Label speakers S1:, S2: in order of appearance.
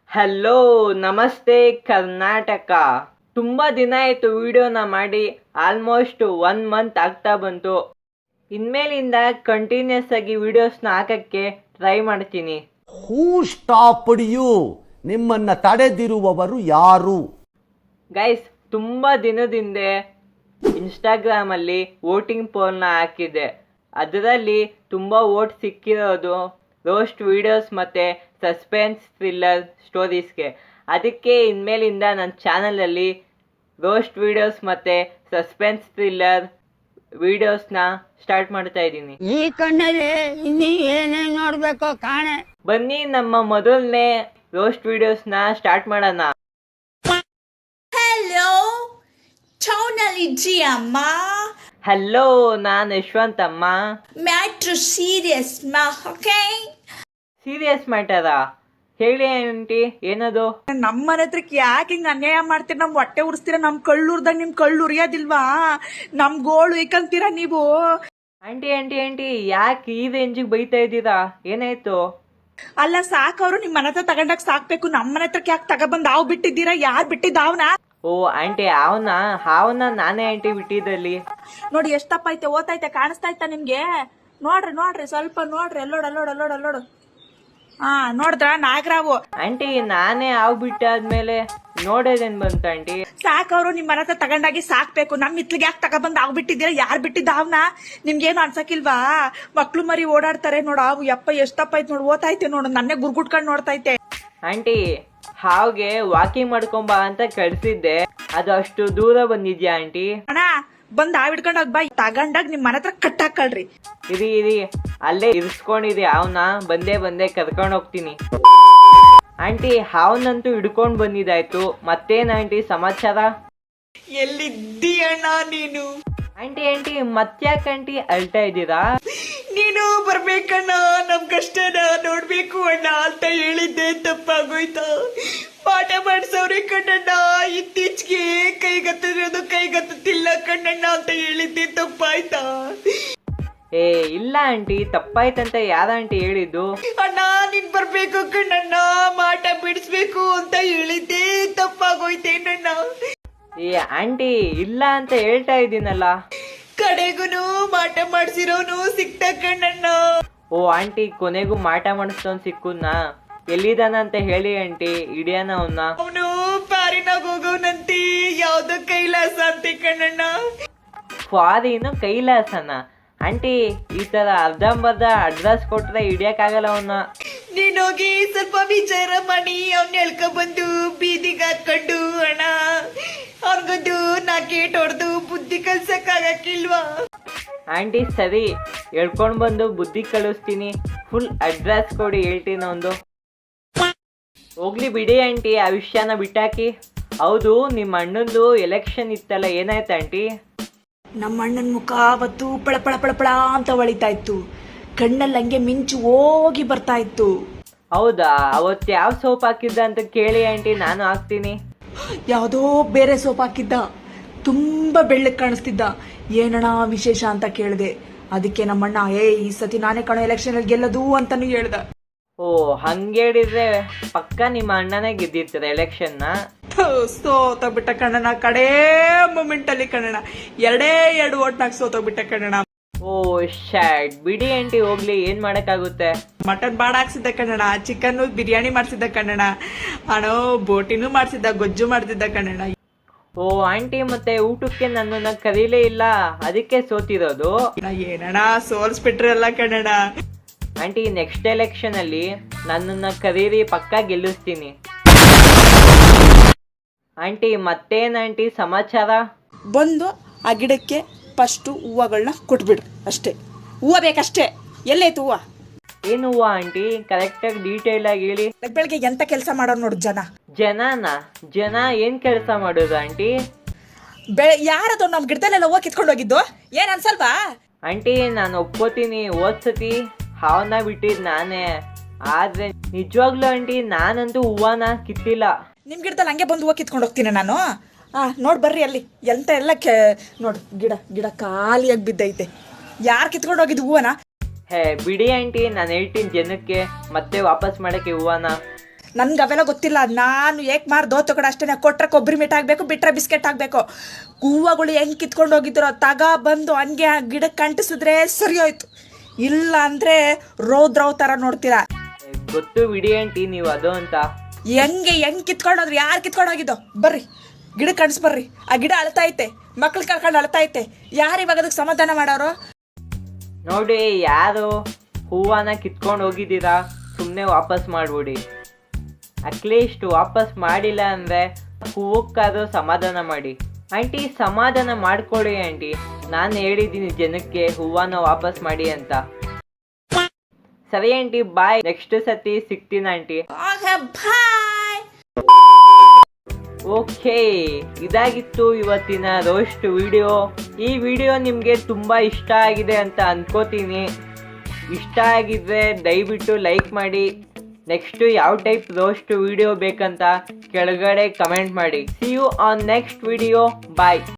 S1: Hello, ನಮಸ್ತೆ ಕರ್ನಾಟಕ. ತುಂಬ ದಿನ ಆಯಿತು ವಿಡಿಯೋನ ಮಾಡಿ. ಆಲ್ಮೋಸ್ಟ್ 1 ಮಂತ್ ಆಗ್ತಾ ಬಂತು. ಇನ್ಮೇಲಿಂದ ಕಂಟಿನ್ಯೂಸ್ ಆಗಿ ವಿಡಿಯೋಸ್ನ ಹಾಕಕ್ಕೆ ಟ್ರೈ ಮಾಡ್ತೀನಿ.
S2: Who stopped you? ನಿಮ್ಮನ್ನ ತಡೆದಿರುವವರು ಯಾರು?
S1: ಗೈಸ್, ತುಂಬ ದಿನದಿಂದ ಇನ್ಸ್ಟಾಗ್ರಾಮಲ್ಲಿ ವೋಟಿಂಗ್ ಪೋಲ್ನ ಹಾಕಿದ್ದೆ. ಅದರಲ್ಲಿ ತುಂಬ ವೋಟ್ ಸಿಕ್ಕಿರೋದು ರೋಸ್ಟ್ ವಿಡಿಯೋಸ್ ಮತ್ತು ಸಸ್ಪೆನ್ಸ್ ಥ್ರಿಲ್ಲರ್ ಸ್ಟೋರೀಸ್ಗೆ. ಅದಕ್ಕೆ ಇನ್ಮೇಲಿಂದ ನನ್ನ ಚಾನಲಲ್ಲಿ ರೋಸ್ಟ್ ವಿಡಿಯೋಸ್ ಮತ್ತು ಸಸ್ಪೆನ್ಸ್ ಥ್ರಿಲ್ಲರ್ ವಿಡಿಯೋಸ್ನ ಸ್ಟಾರ್ಟ್ ಮಾಡ್ತಾ ಇದ್ದೀನಿ.
S3: ಈ ಕಣ್ಣಲ್ಲಿ ಇನ್ನೀ ಏನೇನು ನೋಡ್ಬೇಕೋ ಕಾಣೆ.
S1: ಬನ್ನಿ ನಮ್ಮ ಮೊದಲನೇ ರೋಸ್ಟ್ ವಿಡಿಯೋಸ್ನ ಸ್ಟಾರ್ಟ್ ಮಾಡೋಣ.
S4: ಹಲೋ, ಟೌನಲ್ಲಿ ಅಮ್ಮ.
S1: ಹಲೋ, ನಾನು ಯಶವಂತ್ ಅಮ್ಮ.
S4: ಮ್ಯಾಟ್ರು ಸೀರಿಯಸ್ ಮಾ, ಓಕೆ?
S1: ಸೀರಿಯಸ್ ಮ್ಯಾಟರಾ? ಹೇಳಿ ಆಂಟಿ, ಏನದು?
S5: ನಮ್ಮನೆ ಹತ್ರಕ್ಕೆ ಯಾಕೆ ಹಿಂಗ ಅನ್ಯಾಯ ಮಾಡ್ತೀರ? ನಮ್ ಹೊಟ್ಟೆ ಉರಿಸ್ತೀರ? ನಮ್ ಕಳ್ಳುರ್ದಾಗ ನಿಮ್ ಕಳ್ಳು ಉರಿಯೋದಿಲ್ವಾ? ನಮ್ ಗೋಳು ಇಕ್ಕಂತೀರ ನೀವು?
S1: ಆಂಟಿ ಆಂಟಿ ಆಂಟಿ, ಯಾಕೆ ಈ ರೇಂಜಿಗೆ ಬೈತಾ ಇದ್ದೀರಾ? ಏನಾಯ್ತು?
S5: ಅಲ್ಲ, ಸಾಕವ್ರು ನಿಮ್ ಮನೆ ಹತ್ರ ತಗೊಂಡಾಗ ಸಾಕ್ಬೇಕು. ನಮ್ಮನೆ ಹತ್ರಕ್ಕೆ ಯಾಕೆ ತಗೊಬಂದ್ ಹಾವು ಬಿಟ್ಟಿದ್ದೀರಾ? ಯಾರ್ ಬಿಟ್ಟಿದ್ದ ಅವನ?
S1: ಓ ಆಂಟಿ, ಹಾವನ್ನ ನಾನೇ ಆಂಟಿ ಬಿಟ್ಟಿದ್ದಲ್ಲಿ.
S5: ನೋಡಿ ಎಷ್ಟ್ ತಪ್ಪ ಐತೆ, ಓತೈತೆ, ಕಾಣಿಸ್ತಾ ಇತ್ತ ನಿಮ್ಗೆ? ನೋಡ್ರಿ ಸ್ವಲ್ಪ ನೋಡ್ರಿ. ಅಲ್ಲೋಡು. ಹಾ, ನೋಡಿದ್ರ ನಾಗರಾವು?
S1: ಆಂಟಿ, ನಾನೇ ಹಾವು ಬಿಟ್ಟಾದ್ಮೇಲೆ ನೋಡೋದೇನ್ ಬಂತ ಆಂಟಿ?
S5: ಸಾಕವ್ರು ನಿಮ್ ಮನೆ ಹತ್ರ ತಗೊಂಡಾಗಿ ಸಾಕ್ಬೇಕು. ನಮ್ ಇತ್ಲಿಗೆ ಯಾಕೆ ತಗೊಬಂದ್ ಹಾವು ಬಿಟ್ಟಿದ್ದೀರಾ? ಯಾರ್ ಬಿಟ್ಟಿದ್ದ ಅವನ? ನಿಮ್ಗೇನು ಅನ್ಸಕ್ಕಿಲ್ವಾ? ಮಕ್ಳು ಮರಿ ಓಡಾಡ್ತಾರೆ ನೋಡು, ಹಾವು ಯಪ್ಪ ಎಷ್ಟ್ ತಪ್ಪ ಐತೆ ನೋಡು. ಓತೈತೆ ನೋಡು, ನನ್ನೇ ಗುರ್ಗುಟ್ಕೊಂಡ್ ನೋಡ್ತೈತೆ.
S1: ಆಂಟಿ, ಹಾವ್ಗೆ ವಾಕಿಂಗ್ ಮಾಡ್ಕೊಂಬ ಅಂತ ಕಳ್ಸಿದ್ದೆ, ಅದು ಅಷ್ಟು ದೂರ ಬಂದಿದ್ಯಾ ಆಂಟಿ?
S5: ಅಣ್ಣ, ಬಂದ್ ಹಾವ್ ಹಿಡ್ಕೊಂಡ್ ಹೋಗ್ ಬಾ. ತಗೊಂಡಾಗ ನಿಮ್ ಮನೆ ಹತ್ರ ಕಟ್ಟಾಕಳ್ರಿ.
S1: ಇರಿ, ಅಲ್ಲೇ ಇರಿಸ್ಕೊಂಡಿರಿ ಹಾವ್ನ. ಬಂದೆ ಕರ್ಕೊಂಡು ಹೋಗ್ತೀನಿ. ಆಂಟಿ, ಹಾವ್ನಂತೂ ಹಿಡ್ಕೊಂಡ್ ಬಂದಿದ್ದಾಯ್ತು. ಮತ್ತೇನ್ ಆಂಟಿ ಸಮಾಚಾರ?
S5: ಎಲ್ಲಿದ್ದೀಯಣ್ಣ ನೀನು?
S1: ಆಂಟಿ ಮತ್ತ್ಯಾಕೆ ಆಂಟಿ ಅಳ್ತಾ ಇದ್ದೀರಾ?
S5: ನೀನು ಬರ್ಬೇಕಣ್ಣ, ನಮ್ ಕಷ್ಟನ ನೋಡ್ಬೇಕು ಅಣ್ಣ ಅಂತ ಹೇಳಿದ್ದೆ. ತಪ್ಪಾಗೋಯ್ತಾ? ಪಾಠ ಮಾಡ್ಸವ್ರೆ ಕಣ್ಣಣ್ಣ. ಇತ್ತೀಚೆಗೆ ಕೈಗತ್ತಿಲ್ಲ ಕಣ್ಣಣ್ಣ ಅಂತ ಹೇಳಿದ್ದೆ. ತಪ್ಪಾಯ್ತಾ?
S1: ಏ ಇಲ್ಲ ಆಂಟಿ, ತಪ್ಪಾಯ್ತಂತ ಯಾರ ಆಂಟಿ ಹೇಳಿದ್ದು?
S5: ಅಣ್ಣ, ನೀನ್ ಬರ್ಬೇಕು ಕಣ್ಣಣ್ಣ, ಮಾಟ ಬಿಡಿಸ್ಬೇಕು ಅಂತ ಹೇಳಿದ್ದೆ. ತಪ್ಪಾಗೋಯ್ತೇನಣ್ಣ?
S1: ಏ ಆಂಟಿ, ಇಲ್ಲ ಅಂತ ಹೇಳ್ತಾ ಇದ್ದೀನಲ್ಲ.
S5: ಕಡೆಗೂನು ಮಾಟ ಮಾಡ್ಸಿರೋನು ಸಿಕ್ತ ಕಣ್ಣಣ್ಣ.
S1: ಓ ಆಂಟಿ, ಕೊನೆಗೂ ಮಾಟ ಮಾಡಿಸ್ತೋನ್ ಸಿಕ್ಕುದ್ನಾ? ಎಲ್ಲಿದಾನ ಅಂತ ಹೇಳಿ ಆಂಟಿ, ಹಿಡಿಯೋಣ ಅವನ್ನ.
S5: ಅವನು ಪಾರಿನಾಗ ಹೋಗೋನಂತಿ, ಯಾವ್ದೋ ಕೈಲಾಸ ಅಂತೆ ಕಣ್ಣಣ್ಣ.
S1: ಫಾರಿನು ಕೈಲಾಸನ? ಆಂಟಿ, ಈ ತರ ಅರ್ಧಂಬರ್ಧ ಅಡ್ರೆಸ್ ಕೊಟ್ರೆ ಹಿಡಿಯಕ್ಕಾಗಲ್ಲ ಅವನ್ನ.
S5: ನೀನೋಗಿ ಸ್ವಲ್ಪ ವಿಚಾರ ಮಾಡಿ ಅವ್ನ ಹೇಳ್ಕೊಂಡ್ಬಂದು ಬೀದಿಗೆ ಹಾಕೊಂಡು ಅಣ್ಣ, ಅವ್ನಿಗೊಂದು ನಾಕೇಟ್ ಹೊಡೆದು ಬುದ್ಧಿ ಕಲ್ಸಕ್ಕಾಗಕ್ಕಿಲ್ವಾ?
S1: ಆಂಟಿ ಸರಿ, ಹೇಳ್ಕೊಂಡ್ ಬಂದು ಬುದ್ಧಿ ಕಳಿಸ್ತೀನಿ. ಫುಲ್ ಅಡ್ರೆಸ್ ಕೊಡಿ, ಹೇಳ್ತೀನಿ ಒಂದು. ಹೋಗ್ಲಿ ಬಿಡಿ ಆಂಟಿ, ಆ ವಿಷಯನ ಬಿಟ್ಟಾಕಿ. ಹೌದು, ನಿಮ್ಮ ಅಣ್ಣಂದು ಎಲೆಕ್ಷನ್ ಇತ್ತಲ್ಲ, ಏನಾಯ್ತು ಆಂಟಿ?
S5: ನಮ್ಮ ಅಣ್ಣನ ಮುಖ ಅವತ್ತು ಪಳ ಅಂತ ಹೊಳಿತಾ ಇತ್ತು. ಕಣ್ಣಲ್ಲಿ ಹಂಗೆ ಮಿಂಚು ಹೋಗಿ ಬರ್ತಾ ಇತ್ತು.
S1: ಹೌದಾ? ಅವತ್ತು ಯಾವ ಸೋಪ್ ಹಾಕಿದ್ದ ಅಂತ ಕೇಳಿ ಆಂಟಿ, ನಾನು ಹಾಕ್ತೀನಿ.
S5: ಯಾವುದೋ ಬೇರೆ ಸೋಪ್ ಹಾಕಿದ್ದ, ತುಂಬಾ ಬೆಳ್ಳಗ್ ಕಾಣಿಸ್ತಿದ್ದ. ಏನಣ್ಣ ವಿಶೇಷ ಅಂತ ಕೇಳಿದೆ. ಅದಕ್ಕೆ ನಮ್ಮಣ್ಣ, ಈ ಸತಿ ನಾನೇ ಕಣೋ ಎಲೆಕ್ಷನ್ ಅಲ್ಲಿ ಗೆಲ್ಲದು ಅಂತಾನು ಹೇಳ್ದ.
S1: ಓ, ಹಂಗೇಳಿದ್ರೆ ಪಕ್ಕ ನಿಮ್ಮ ಅಣ್ಣನೇ ಗೆದ್ದಿರ್ತಾರೆ ಎಲೆಕ್ಷನ್ನ.
S5: ಸೋತೋಗ್ಬಿಟ್ಟ ಕಣ್ಣಣ್ಣ, ಕಡೇ ಮೂಮೆಂಟ್ ಅಲ್ಲಿ ಕಣ್ಣಣ್ಣ. 2 ಓಟ್ನಾಗ ಸೋತೋಗ್ಬಿಟ್ಟ ಕಣ್ಣಣ್ಣ.
S1: ಓ ಶಾಟ್, ಬಿಡಿ ಆಂಟಿ, ಹೋಗ್ಲಿ, ಏನ್ ಮಾಡಕ್ಕಾಗುತ್ತೆ.
S5: ಮಟನ್ ಬಾಡ ಹಾಕ್ಸಿದ್ದ ಕಣ್ಣಣ್ಣ, ಚಿಕನ್ ಬಿರಿಯಾನಿ ಮಾಡ್ಸಿದ್ದ ಕಣ್ಣಣ್ಣ, ಅಣೋ ಬೋಟಿನೂ ಮಾಡ್ಸಿದ್ದ, ಗೊಜ್ಜು ಮಾಡ್ತಿದ್ದ ಕಣ್ಣಣ್ಣ.
S1: ಓ ಆಂಟಿ, ಮತ್ತೆ ಊಟಕ್ಕೆ ನನ್ನನ್ನ ಕರೀಲೇ ಇಲ್ಲ, ಅದಕ್ಕೆ ಸೋತಿರೋದು?
S5: ಏನಣ್ಣ ಸೋಲ್ಸ್ಬಿಟ್ರಲ್ಲ ಕಣ್ಣಣ್ಣ.
S1: ಆಂಟಿ, ನೆಕ್ಸ್ಟ್ ಎಲೆಕ್ಷನ್ ಅಲ್ಲಿ ನನ್ನನ್ನ ಕರೀರಿ, ಪಕ್ಕ ಗೆಲ್ಲಿಸ್ತೀನಿ. ಆಂಟಿ, ಮತ್ತೇನ್ ಆಂಟಿ ಸಮಾಚಾರ?
S5: ಬಂದು ಆ ಗಿಡಕ್ಕೆ ಫಸ್ಟು ಹೂವಗಳನ್ನ ಕೊಟ್ಬಿಡ್ರಿ ಅಷ್ಟೇ. ಹೂವು ಬೇಕಷ್ಟೇ. ಎಲ್ಲೈತು ಹೂವು?
S1: ಏನು ಹೂವ ಆಂಟಿ? ಕರೆಕ್ಟಾಗಿ ಡೀಟೇಲ್ ಆಗಿ ಹೇಳಿ.
S5: ಬೆಳಗ್ಗೆ ಎಂತ ಕೆಲಸ ಮಾಡೋರು ನೋಡು
S1: ಜನ ಏನ್ ಕೆಲಸ ಮಾಡೋದು ಆಂಟಿ?
S5: ಯಾರದು ನಮ್ಮ ಗಿಡದಲ್ಲೆಲ್ಲ ಹೂವು ಕಿತ್ಕೊಂಡು ಹೋಗಿದ್ದು? ಏನ್ ಅನ್ಸಲ್ವಾ
S1: ಆಂಟಿ? ನಾನು ಒಪ್ಕೋತೀನಿ, ಹೋದ್ಸತಿ ಹಾವನ್ನ ಬಿಟ್ಟಿದ್ ನಾನೇ. ಆದ್ರೆ ನಿಜವಾಗ್ಲೂ ಆಂಟಿ, ನಾನಂತೂ ಹೂವನ ಕಿತ್ತಿಲ್ಲ.
S5: ನಿಮ್ ಗಿಡದಲ್ಲಿ ಹಂಗೆ ಬಂದು ಹೂವು ಕಿತ್ಕೊಂಡು ಹೋಗ್ತೀನಿ ನಾನು. ನೋಡ್ ಬರ್ರಿ ಅಲ್ಲಿ ಎಂತ ಎಲ್ಲ ನೋಡು, ಗಿಡ ಖಾಲಿಯಾಗಿ ಬಿದ್ದೈತೆ. ಯಾರು ಕಿತ್ಕೊಂಡು ಹೋಗಿದ್ದು ಹೂವನ?
S1: ಹೇ ಬಿಡಿ ಆಂಟಿ, ನಾನು ಹೇಳ್ತೀನಿ ಜನಕ್ಕೆ ಮತ್ತೆ ವಾಪಸ್ ಮಾಡಕ್ಕೆ ಹೂವನ.
S5: ನನ್ಗೆ ಅವೆಲ್ಲ ಗೊತ್ತಿಲ್ಲ. ನಾನು ಏಕ್ ಮಾರ್ ದೋತು ಕಡೆ ಅಷ್ಟೇ, ಕೊಟ್ರೆ ಕೊಬ್ಬರಿ ಮೀಟ್ ಆಗಬೇಕು, ಬಿಟ್ರೆ ಬಿಸ್ಕೆಟ್ ಆಗಬೇಕು. ಹೂವುಗಳು ಹೆಂಗೆ ಕಿತ್ಕೊಂಡು ಹೋಗಿದ್ರು ಬಂದು ಹಂಗೆ ಗಿಡಕ್ಕೆ ಅಂಟಿಸಿದ್ರೆ ಸರಿ ಹೋಯ್ತು. ಇಲ್ಲ ಅಂದರೆ ರೋದ್ರವ್ ಥರ ನೋಡ್ತೀರಾ.
S1: ಗೊತ್ತು ಬಿಡಿ ಆಂಟಿ ನೀವು ಅದು ಅಂತ.
S5: ಹೆಂಗೆ ಕಿತ್ಕೊಂಡೋದ್ರಿ? ಯಾರು ಕಿತ್ಕೊಂಡು ಹೋಗಿದ್ದು? ಬರ್ರಿ ಗಿಡಕ್ಕೆ ಕಣ್ಸ್ ಬರ್ರಿ. ಆ ಗಿಡ ಅಳ್ತಾ ಐತೆ, ಮಕ್ಳು ಕಳ್ಕೊಂಡು ಅಳ್ತಾ ಐತೆ. ಯಾರು ಇವಾಗ ಅದಕ್ಕೆ ಸಮಾಧಾನ ಮಾಡೋರು?
S1: ನೋಡಿ, ಯಾರು ಹೂವನ್ನ ಕಿತ್ಕೊಂಡು ಹೋಗಿದ್ದೀರಾ ಸುಮ್ಮನೆ ವಾಪಸ್ ಮಾಡ್ಬಿಡಿ. ಅಟ್ಲೀಸ್ಟ್ ವಾಪಸ್ ಮಾಡಿಲ್ಲ ಅಂದರೆ ಹೂವಕ್ಕಾದ್ರೂ ಸಮಾಧಾನ ಮಾಡಿ. ಆಂಟಿ ಸಮಾಧಾನ ಮಾಡ್ಕೊಡಿ ಆಂಟಿ. ನಾನು ಹೇಳಿದ್ದೀನಿ ಜನಕ್ಕೆ ಹೂವನ್ನ ವಾಪಸ್ ಮಾಡಿ ಅಂತ. ಸರಿ ಆಂಟಿ, ಬಾಯ್. ನೆಕ್ಸ್ಟ್ ಸತಿ ಸಿಗ್ತೀನಿ ಆಂಟಿ.
S4: Okay, bye.
S1: ಓಕೆ, ಇದಾಗಿತ್ತು ಇವತ್ತಿನ ರೋಸ್ಟ್ ವಿಡಿಯೋ. ಈ ವಿಡಿಯೋ ನಿಮಗೆ ತುಂಬ ಇಷ್ಟ ಆಗಿದೆ ಅಂತ ಅನ್ಕೋತೀನಿ. ಇಷ್ಟ ಆಗಿದ್ರೆ ದಯವಿಟ್ಟು ಲೈಕ್ ಮಾಡಿ. ನೆಕ್ಸ್ಟು ಯಾವ ಟೈಪ್ ರೋಸ್ಟ್ ವಿಡಿಯೋ ಬೇಕಂತ ಕೆಳಗಡೆ ಕಮೆಂಟ್ ಮಾಡಿ. See you on next video. Bye.